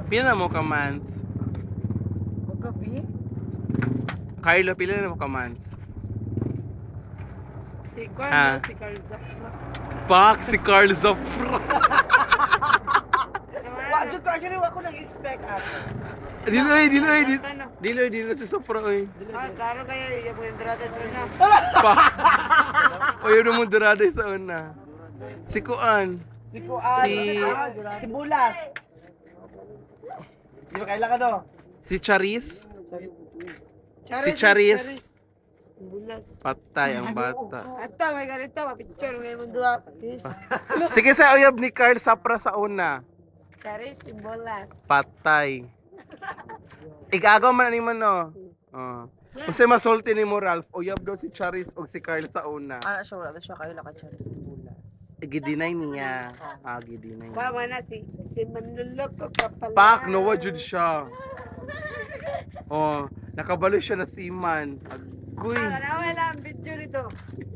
Pila na mo ka months? Gabi? Carlo, pila na mo ka months? Si Ah. Carl, si Carl Zapsma. Pak, si Carl Zafra. Wajud ko actually wako nag-expect ako. Diloy si Zafra oy. Ah, klaro kaya yung mga drata sa na. Pak. Oy, mo durada sa una. Si Kuan. Si Kuan, si Bulas. Di ba kailangan no? Si Charis. Charis, Si Charis. Bulas. Patay ang bata. Ato, may ganito, mapicture ngayon mo dua. Yes. Sige sa uyab ni Carl Zafra sa una. Charis, si Bulas. Patay. Igagaw man ni mo no. Oh. Kung sa'y masulti ni mo Ralph, uyab daw si Charis o si Carl sa una. Ah, siya wala siya kayo laka Charis, si Bulas. Gidinay niya. Gidinay niya. Mama na si Manlulok ko kapala. Pak, nawa jud siya. Oh, nakabalo siya na si Man. Agoy. Wala ang video nito.